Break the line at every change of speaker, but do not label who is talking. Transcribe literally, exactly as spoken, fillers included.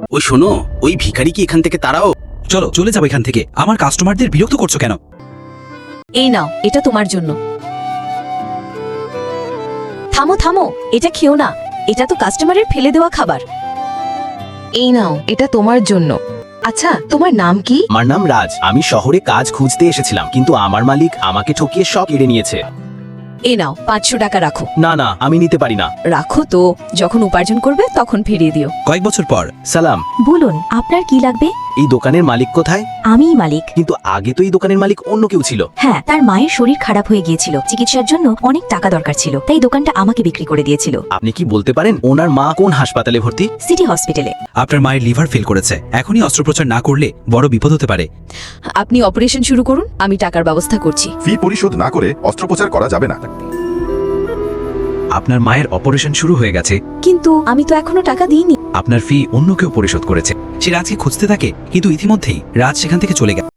ওই শোনো, ওই ভিখারি কি এখান থেকে তাড়াও?
চলো চলে যাবো এখান থেকে। আমার কাস্টমারদের বিরক্ত করছো কেন?
এই নাও, এটা তোমার জন্য। থামো থামো, এটা খেও না, এটা তো কাস্টমারের ফেলে দেওয়া খাবার। এই নাও, এটা তোমার জন্য। আচ্ছা, তোমার নাম কি?
আমার নাম রাজ। আমি শহরে কাজ খুঁজতে এসেছিলাম, কিন্তু আমার মালিক আমাকে ঠকিয়ে সব কেড়ে নিয়েছে।
এই নাও, পাঁচশো টাকা রাখো।
না না, আমি নিতে পারি না।
রাখো তো, যখন উপার্জন করবে তখন ফিরিয়ে দিও।
কয়েক বছর পর।
সালাম,
বলুন আপনার কি লাগবে?
এই দোকানের মালিক কোথায়?
আমিই মালিক।
কিন্তু আগে তো এই দোকানের মালিক অন্য কেউ ছিল।
হ্যাঁ, তার মায়ের শরীর খারাপ হয়ে গিয়েছিল, চিকিৎসার জন্য অনেক টাকা দরকার ছিল, তাই দোকানটা আমাকে বিক্রি করে দিয়েছিল।
আপনি কি বলতে পারেন ওনার মা কোন হাসপাতালে ভর্তি?
সিটি হসপিটালে।
আপনার মায়ের লিভার ফেল করেছে, এখনই অস্ত্রোপচার না করলে বড় বিপদ হতে পারে।
আপনি অপারেশন শুরু করুন, আমি টাকার ব্যবস্থা করছি।
ফি পরিশোধ না করে অস্ত্রোপচার করা যাবে না।
আপনার মায়ের অপারেশন শুরু হয়ে গেছে,
কিন্তু আমি তো এখনো টাকা দিইনি।
আপনার ফি অন্য কেউ পরিশোধ করেছে। সে রাজকে খুঁজতে থাকে, কিন্তু ইতিমধ্যেই রাজ সেখান থেকে চলে গেছে।